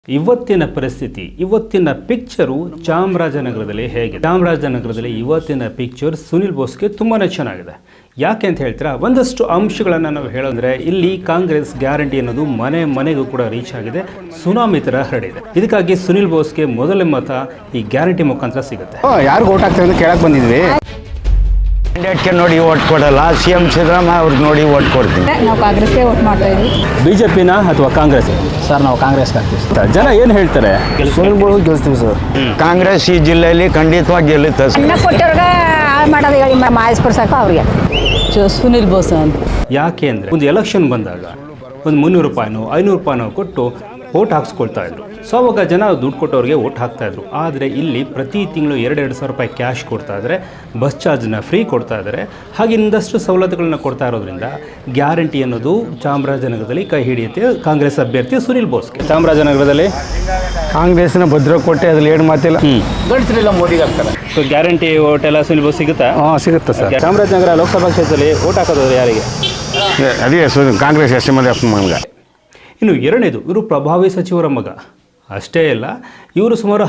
ಇವತ್ತಿನ ಪರಿಸ್ಥಿತಿ ಇವತ್ತಿನ ಪಿಕ್ಚರು ಚಾಮರಾಜನಗರದಲ್ಲಿ ಹೇಗಿದೆ? ಚಾಮರಾಜನಗರದಲ್ಲಿ ಇವತ್ತಿನ ಪಿಕ್ಚರ್ ಸುನಿಲ್ ಬೋಸ್ಗೆ ತುಂಬಾ ಚೆನ್ನಾಗಿದೆ. ಯಾಕೆ ಅಂತ ಹೇಳ್ತೀರಾ? ಒಂದಷ್ಟು ಅಂಶಗಳನ್ನು ನಾವು ಹೇಳೋದ್ರೆ ಇಲ್ಲಿ ಕಾಂಗ್ರೆಸ್ ಗ್ಯಾರಂಟಿ ಅನ್ನೋದು ಮನೆ ಮನೆಗೂ ಕೂಡ ರೀಚ್ ಆಗಿದೆ, ಸುನಾಮಿ ಥರ ಹರಡಿದೆ. ಇದಕ್ಕಾಗಿ ಸುನಿಲ್ ಬೋಸ್ಗೆ ಮೊದಲ ಮತ ಈ ಗ್ಯಾರಂಟಿ ಮುಖಾಂತರ ಸಿಗುತ್ತೆ. ಯಾರು ಓಟ್ ಹಾಕ್ತಾರೆ ಅಂತ ಕೇಳಕ್ಕೆ ಬಂದಿದ್ವಿ. ಕ್ಯಾಂಡಿಡೇಟ್ಗೆ ನೋಡಿ ಓಟ್ ಕೊಡಲ್ಲ, CM ಸಿದ್ದರಾಮಯ್ಯ ಅವ್ರಿಗೆ ನೋಡಿ ಓಟ್ ಕೊಡ್ತೀವಿ. ನಾವು ಕಾಂಗ್ರೆಸ್ಗೆ ಓಟ್ ಮಾಡ್ತಾ ಇದ್ವಿ. ಬಿಜೆಪಿನ ಅಥವಾ ಕಾಂಗ್ರೆಸ್? ಸರ್ ನಾವು ಕಾಂಗ್ರೆಸ್ಗೆ ಹಾಕ್ತೀವಿ. ಜನ ಏನು ಹೇಳ್ತಾರೆ? ಸುನಿಲ್ ಬೋಸ್ ಗೆಲ್ಸ್ತೀವಿ ಸರ್. ಕಾಂಗ್ರೆಸ್ ಈ ಜಿಲ್ಲೆಯಲ್ಲಿ ಖಂಡಿತವಾಗಿ ಗೆಲ್ಲುತ್ತೆ. ಅನ್ನ ಕೊಟ್ಟವ್ರಿಗೆ ಮಾಡೋದು ಹೇಳಿ ಮಾಯಿಸ್ಪುರ್ ಸಾಕು ಅವ್ರಿಗೆ. ಸುನಿಲ್ ಬೋಸ್ ಅಂತ. ಯಾಕೆ ಅಂದರೆ ಒಂದು ಎಲೆಕ್ಷನ್ ಬಂದಾಗ ಒಂದು 300 ರೂಪಾಯಿನೋ 500 ರೂಪಾಯಿನೋ ಕೊಟ್ಟು ಓಟ್ ಹಾಕ್ಸ್ಕೊಳ್ತಾ ಇದ್ರು. ಸೊ ಅವಾಗ ಜನ ದುಡ್ಡು ಕೊಟ್ಟವ್ರಿಗೆ ಓಟ್ ಹಾಕ್ತಾಯಿದ್ರು. ಆದರೆ ಇಲ್ಲಿ ಪ್ರತಿ ತಿಂಗಳು 2-2 ಸಾವಿರ ರೂಪಾಯಿ ಕ್ಯಾಶ್ ಕೊಡ್ತಾ ಇದ್ದಾರೆ, ಬಸ್ ಚಾರ್ಜ್ನ ಫ್ರೀ ಕೊಡ್ತಾ ಇದ್ದಾರೆ, ಹಾಗೆ ಇನ್ನಷ್ಟು ಸವಲತ್ತುಗಳನ್ನ ಕೊಡ್ತಾ ಇರೋದ್ರಿಂದ ಗ್ಯಾರಂಟಿ ಅನ್ನೋದು ಚಾಮರಾಜನಗರದಲ್ಲಿ ಕೈ ಹಿಡಿಯುತ್ತೆ ಕಾಂಗ್ರೆಸ್ ಅಭ್ಯರ್ಥಿ ಸುನಿಲ್ ಬೋಸ್ಗೆ. ಚಾಮರಾಜನಗರದಲ್ಲಿ ಕಾಂಗ್ರೆಸ್ನ ಭದ್ರಕೋಟೆ ಅದ್ರಲ್ಲಿ ಏನು ಮಾತಿಲ್ಲ. ಗಂಡಸರೆಲ್ಲ ಮೋದಿಗೆ ಹಾಕ್ತಾರೆ. ಸೊ ಗ್ಯಾರಂಟಿ ಓಟ್ ಎಲ್ಲ ಸುನಿಲ್ ಬೋಸ್ ಸಿಗುತ್ತಾ? ಹಾಂ ಸಿಗುತ್ತೆ ಸರ್. ಚಾಮರಾಜನಗರ ಲೋಕಸಭಾ ಕ್ಷೇತ್ರದಲ್ಲಿ ಓಟ್ ಹಾಕೋದು ಯಾರಿಗೆ? ಅದೇ ಕಾಂಗ್ರೆಸ್ ಎಸ್. ಇನ್ನು ಎರಡನೇದು, ಇವರು ಪ್ರಭಾವಿ ಸಚಿವರ ಮಗ ಅಷ್ಟೇ ಅಲ್ಲ, ಇವರು ಸುಮಾರು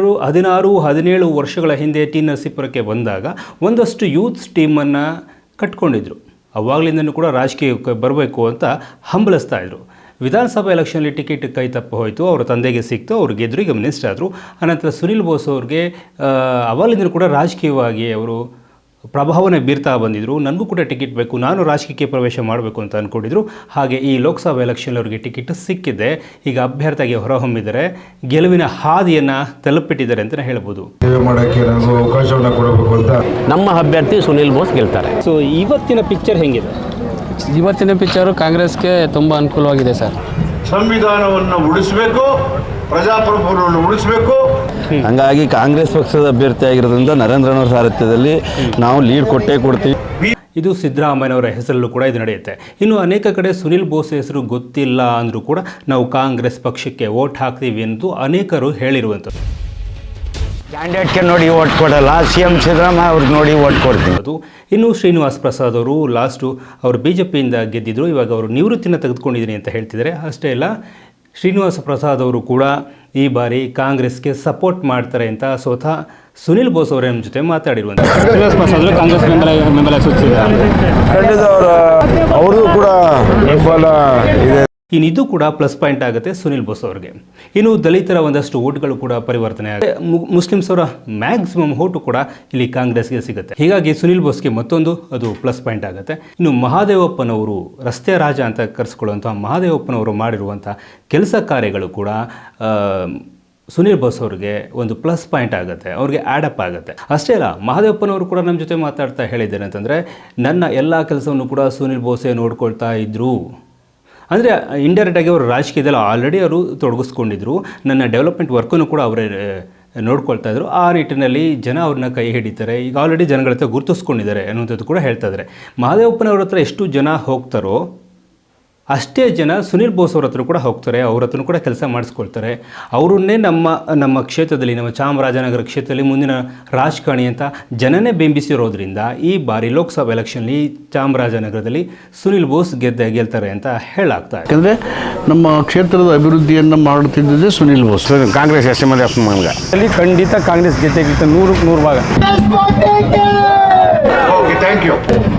16-17 ವರ್ಷಗಳ ಹಿಂದೆ ಟಿ ನರಸೀಪುರಕ್ಕೆ ಬಂದಾಗ ಒಂದಷ್ಟು ಯೂತ್ಸ್ ಟೀಮನ್ನು ಕಟ್ಕೊಂಡಿದ್ರು. ಅವಾಗಲಿಂದನೂ ಕೂಡ ರಾಜಕೀಯಕ್ಕೆ ಬರಬೇಕು ಅಂತ ಹಂಬಲಿಸ್ತಾ ಇದ್ರು. ವಿಧಾನಸಭಾ ಎಲೆಕ್ಷನಲ್ಲಿ ಟಿಕೆಟ್ ಕೈ ತಪ್ಪು ಹೋಯಿತು, ಅವರ ತಂದೆಗೆ ಸಿಕ್ತು, ಅವ್ರು ಗೆದ್ರು, ಈಗ ಮಿನಿಸ್ಟರ್ ಆದರು. ಅನಂತರ ಸುನಿಲ್ ಬೋಸ್ ಅವ್ರಿಗೆ ಅವಾಗಲಿಂದನೂ ಕೂಡ ರಾಜಕೀಯವಾಗಿ ಅವರು ಪ್ರಭಾವನೆ ಬೀರ್ತಾ ಬಂದಿದ್ದರು. ನನಗೂ ಕೂಡ ಟಿಕೆಟ್ ಬೇಕು, ನಾನು ರಾಜಕೀಯಕ್ಕೆ ಪ್ರವೇಶ ಮಾಡಬೇಕು ಅಂತ ಅಂದ್ಕೊಂಡಿದ್ರು. ಹಾಗೆ ಈ ಲೋಕಸಭಾ ಎಲೆಕ್ಷನ್ ಅವರಿಗೆ ಟಿಕೆಟ್ ಸಿಕ್ಕಿದೆ. ಈಗ ಅಭ್ಯರ್ಥಿಯಾಗಿ ಹೊರಹೊಮ್ಮಿದ್ದಾರೆ, ಗೆಲುವಿನ ಹಾದಿಯನ್ನು ತಲುಪಿಟ್ಟಿದ್ದಾರೆ ಅಂತಲೇ ಹೇಳ್ಬೋದು. ಮಾಡೋಕ್ಕೆ ನನಗೂ ಅವಕಾಶವನ್ನು ಕೊಡಬೇಕು ಅಂತ ನಮ್ಮ ಅಭ್ಯರ್ಥಿ ಸುನಿಲ್ ಬೋಸ್ ಗೆಲ್ತಾರೆ. ಸೊ ಇವತ್ತಿನ ಪಿಕ್ಚರ್ ಹೆಂಗಿದೆ? ಇವತ್ತಿನ ಪಿಕ್ಚರು ಕಾಂಗ್ರೆಸ್ಗೆ ತುಂಬ ಅನುಕೂಲವಾಗಿದೆ ಸರ್. ಸಂವಿಧಾನವನ್ನು ಉಳಿಸಬೇಕು, ಪ್ರಜಾಪ್ರಭುತ್ವವನ್ನು ಉಳಿಸಬೇಕು. ಹಂಗಾಗಿ ಕಾಂಗ್ರೆಸ್ ಪಕ್ಷದ ಅಭ್ಯರ್ಥಿ ಆಗಿರೋದ್ರಿಂದ ನರೇಂದ್ರನವರ ಸಾರಥ್ಯದಲ್ಲಿ ನಾವು ಲೀಡ್ ಕೊಟ್ಟೇ ಕೊಡ್ತೀವಿ. ಇದು ಸಿದ್ದರಾಮಯ್ಯನವರ ಹೆಸರಲ್ಲೂ ಕೂಡ ಇದು ನಡೆಯುತ್ತೆ. ಇನ್ನು ಅನೇಕ ಕಡೆ ಸುನಿಲ್ ಬೋಸ್ ಹೆಸರು ಗೊತ್ತಿಲ್ಲ ಅಂದರೂ ಕೂಡ ನಾವು ಕಾಂಗ್ರೆಸ್ ಪಕ್ಷಕ್ಕೆ ವೋಟ್ ಹಾಕ್ತೀವಿ ಎಂದು ಅನೇಕರು ಹೇಳಿರುವಂಥದ್ದು. ಕ್ಯಾಂಡಿಡೇಟ್ಗೆ ನೋಡಿ ಓಟ್ ಕೊಡಲ್ಲ, CM ಸಿದ್ದರಾಮಯ್ಯ ಅವ್ರಿಗೆ ನೋಡಿ ಓಟ್ ಕೊಡ್ತೀವಿ. ಇನ್ನು ಶ್ರೀನಿವಾಸ್ ಪ್ರಸಾದ್ ಅವರು ಲಾಸ್ಟು ಅವರು BJPಯಿಂದ ಗೆದ್ದಿದ್ರು, ಇವಾಗ ಅವರು ನಿವೃತ್ತಿನ ತೆಗೆದುಕೊಂಡಿದ್ದೀನಿ ಅಂತ ಹೇಳ್ತಿದ್ದಾರೆ. ಅಷ್ಟೇ ಅಲ್ಲ, ಶ್ರೀನಿವಾಸ ಪ್ರಸಾದ್ ಅವರು ಕೂಡ ಈ ಬಾರಿ ಕಾಂಗ್ರೆಸ್ಗೆ ಸಪೋರ್ಟ್ ಮಾಡ್ತಾರೆ ಅಂತ ಸ್ವತಃ ಸುನಿಲ್ ಬೋಸ್ ಅವರ ಜೊತೆ ಮಾತಾಡಿರುವಂಥ. ಶ್ರೀನಿವಾಸ ಪ್ರಸಾದ್ ಕಾಂಗ್ರೆಸ್ ಬೆಂಬಲ ಸೂಚಿಸಿದ್ದಾರೆ. ಖಂಡಿತ ಅವ್ರದ್ದು ಕೂಡ ಬೆಂಬಲ ಇದೆ. ಇನ್ನು ಇದು ಕೂಡ ಪ್ಲಸ್ ಪಾಯಿಂಟ್ ಆಗುತ್ತೆ ಸುನಿಲ್ ಬೋಸ್ ಅವ್ರಿಗೆ. ಇನ್ನು ದಲಿತರ ಒಂದಷ್ಟು ಓಟ್ಗಳು ಕೂಡ ಪರಿವರ್ತನೆ ಆಗುತ್ತೆ. ಮುಸ್ಲಿಮ್ಸ್ ಅವರ ಮ್ಯಾಕ್ಸಿಮಮ್ ಓಟು ಕೂಡ ಇಲ್ಲಿ ಕಾಂಗ್ರೆಸ್ಗೆ ಸಿಗುತ್ತೆ. ಹೀಗಾಗಿ ಸುನಿಲ್ ಬೋಸ್ಗೆ ಮತ್ತೊಂದು ಅದು ಪ್ಲಸ್ ಪಾಯಿಂಟ್ ಆಗುತ್ತೆ. ಇನ್ನು ಮಹಾದೇವಪ್ಪನವರು, ರಸ್ತೆ ರಾಜ ಅಂತ ಕರೆಸ್ಕೊಳ್ಳುವಂಥ ಮಹಾದೇವಪ್ಪನವರು ಮಾಡಿರುವಂಥ ಕೆಲಸ ಕಾರ್ಯಗಳು ಕೂಡ ಸುನಿಲ್ ಬೋಸ್ ಅವ್ರಿಗೆ ಒಂದು ಪ್ಲಸ್ ಪಾಯಿಂಟ್ ಆಗುತ್ತೆ, ಅವ್ರಿಗೆ ಆ್ಯಡಪ್ ಆಗುತ್ತೆ. ಅಷ್ಟೇ ಅಲ್ಲ, ಮಹಾದೇವಪ್ಪನವರು ಕೂಡ ನಮ್ಮ ಜೊತೆ ಮಾತಾಡ್ತಾ ಹೇಳಿದ್ದೇನೆ ಅಂತಂದರೆ, ನನ್ನ ಎಲ್ಲ ಕೆಲಸವನ್ನು ಕೂಡ ಸುನಿಲ್ ಬೋಸೇ ನೋಡ್ಕೊಳ್ತಾ ಇದ್ದರು. ಅಂದರೆ ಇಂಡೈರೆಕ್ಟಾಗಿ ಅವರು ರಾಜಕೀಯದಲ್ಲಿ ಆಲ್ರೆಡಿ ಅವರು ತೊಡಗಿಸ್ಕೊಂಡಿದ್ರು, ನನ್ನ ಡೆವಲಪ್ಮೆಂಟ್ ವರ್ಕನ್ನು ಕೂಡ ಅವರೇ ನೋಡ್ಕೊಳ್ತಾ ಇದ್ರು. ಆ ನಿಟ್ಟಿನಲ್ಲಿ ಜನ ಅವ್ರನ್ನ ಕೈ ಹಿಡಿತಾರೆ, ಈಗ ಆಲ್ರೆಡಿ ಜನಗಳ ಹತ್ರ ಗುರುತಿಸ್ಕೊಂಡಿದ್ದಾರೆ ಅನ್ನುವಂಥದ್ದು ಕೂಡ ಹೇಳ್ತಾ ಇದ್ದಾರೆ. ಮಹಾದೇವಪ್ಪನವ್ರ ಹತ್ರ ಎಷ್ಟು ಜನ ಹೋಗ್ತಾರೋ ಅಷ್ಟೇ ಜನ ಸುನಿಲ್ ಬೋಸ್ ಅವ್ರ ಹತ್ರ ಕೂಡ ಹೋಗ್ತಾರೆ, ಅವ್ರ ಹತ್ರ ಕೂಡ ಕೆಲಸ ಮಾಡಿಸ್ಕೊಳ್ತಾರೆ. ಅವರನ್ನೇ ನಮ್ಮ ಕ್ಷೇತ್ರದಲ್ಲಿ, ನಮ್ಮ ಚಾಮರಾಜನಗರ ಕ್ಷೇತ್ರದಲ್ಲಿ ಮುಂದಿನ ರಾಜಕಾರಣಿ ಅಂತ ಜನನೇ ಬಿಂಬಿಸಿರೋದ್ರಿಂದ ಈ ಬಾರಿ ಲೋಕಸಭಾ ಎಲೆಕ್ಷನ್ಲಿ ಚಾಮರಾಜನಗರದಲ್ಲಿ ಸುನಿಲ್ ಬೋಸ್ ಗೆಲ್ತಾರೆ ಅಂತ ಹೇಳಾಗ್ತಾ ಇದೆ. ಯಾಕಂದರೆ ನಮ್ಮ ಕ್ಷೇತ್ರದ ಅಭಿವೃದ್ಧಿಯನ್ನು ಮಾಡುತ್ತಿದ್ದೇ ಸುನಿಲ್ ಬೋಸ್. ಕಾಂಗ್ರೆಸ್ ಎಸ್ ಅಲ್ಲಿ ಖಂಡಿತ ಕಾಂಗ್ರೆಸ್ ಗೆದ್ದೆ 100% ಭಾಗ. Okay, thank you.